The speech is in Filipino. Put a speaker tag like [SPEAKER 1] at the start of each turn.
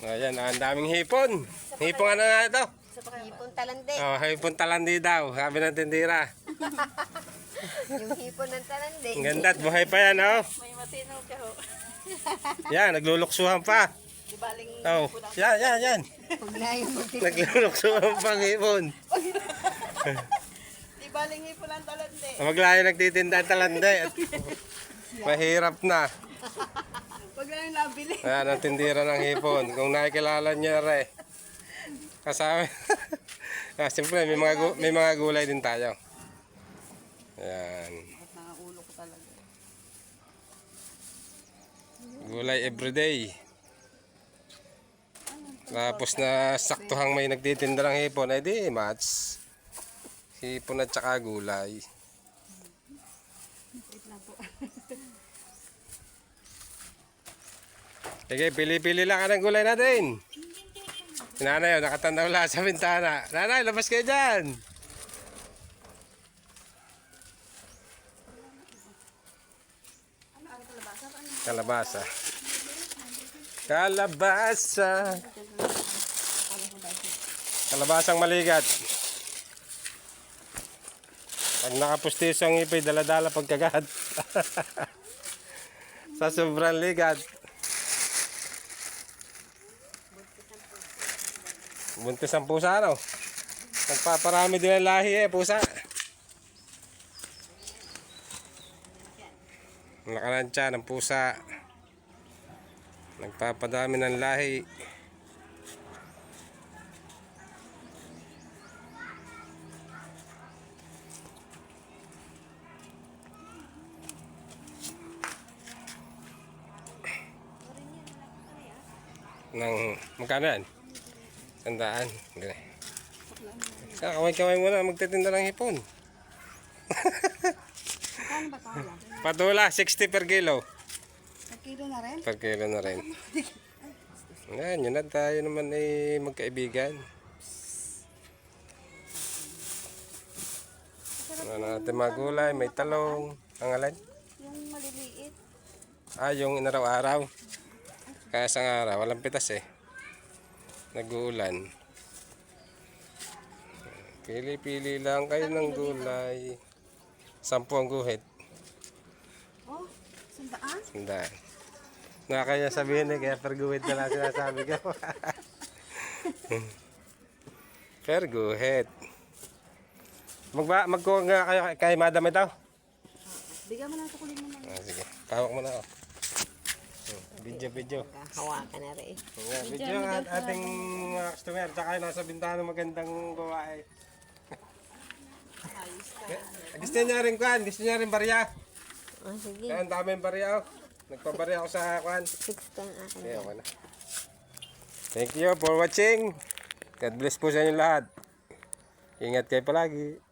[SPEAKER 1] Ayan, ang daming hipon. Hipon ano na ito?
[SPEAKER 2] Hipon talande.
[SPEAKER 1] Oh, hipon talandi daw, sabi ng tindira.
[SPEAKER 2] Yung hipon ng talande.
[SPEAKER 1] Ang ganda at buhay pa yan, oh.
[SPEAKER 3] May matinaw ka ho.
[SPEAKER 1] Yan, nagluluksuhan pa.
[SPEAKER 3] Di baling
[SPEAKER 1] Oh, yan.
[SPEAKER 2] Huwag na yung magtitin.
[SPEAKER 1] Nagluluksuhan pa ang hipon.
[SPEAKER 3] di baling hipon ang talande.
[SPEAKER 1] Maglayo nagtitinda ang talandi. At mahirap na.
[SPEAKER 3] Wag na yung nabili.
[SPEAKER 1] Ayan, ang tindira ng hipon. Kung nakikilala niya rin. Kasama. Siyempre, may mga gulay din tayo. Ayan.
[SPEAKER 3] Nakaulo ko talaga.
[SPEAKER 1] Gulay everyday. Tapos na saktuhang may nagtitinda ng hipon, ay di match. Hipon at saka gulay. Sige, pili-pili lang ka ng gulay natin. Si nanay, nakatanda wala sa bintana. Nanay, labas kayo dyan. Kalabasa. Kalabasa. Kalabasang maligat. Pag nakapustis ang ipay, dala-dala pagkagat. Sa sobrang ligat. Buntis ang pusa, no? Nagpaparami din ang lahi pusa. Nakalansya ng pusa. Nagpapadami ng lahi. Magkano yan? 100. Gani. Kamay-kamay muna magtitinda ng hipon.
[SPEAKER 2] Saan ba tawala?
[SPEAKER 1] Patula, 60 per kilo.
[SPEAKER 2] Per kilo na rin?
[SPEAKER 1] Per kilo na rin. Ngayon, yun na tayo naman ay magkaibigan. Ano natin mga gulay, may talong. Ang alin?
[SPEAKER 2] Yung maliliit.
[SPEAKER 1] Yung inaraw-araw. Kaya sa araw, walang pitas Nag-uulan. Pili-pili lang kayo ng gulay. 10 ang guhit.
[SPEAKER 2] Oh, 100?
[SPEAKER 1] 100. Nakakaya sabihin kaya per guhit na lang sinasabi ko. Per guhit. Magkuha nga kayo kay madam ito?
[SPEAKER 2] Bigyan mo na ito, kunin mo na.
[SPEAKER 1] Sige, tawag mo na ako. Video.
[SPEAKER 2] Hawakan na rin.
[SPEAKER 1] Video ang ating mga customer. Tsaka nasa bintana magandang gawain. Gusto niya rin kuhan. Gusto niya rin barya.
[SPEAKER 2] Oh, sige.
[SPEAKER 1] Kaya ang daming barya. Nagpabarya ako sa kuhan.
[SPEAKER 2] 6 ang akin.
[SPEAKER 1] Okay, okay na. Thank you for watching. God bless po sa inyo lahat. Ingat kayo palagi.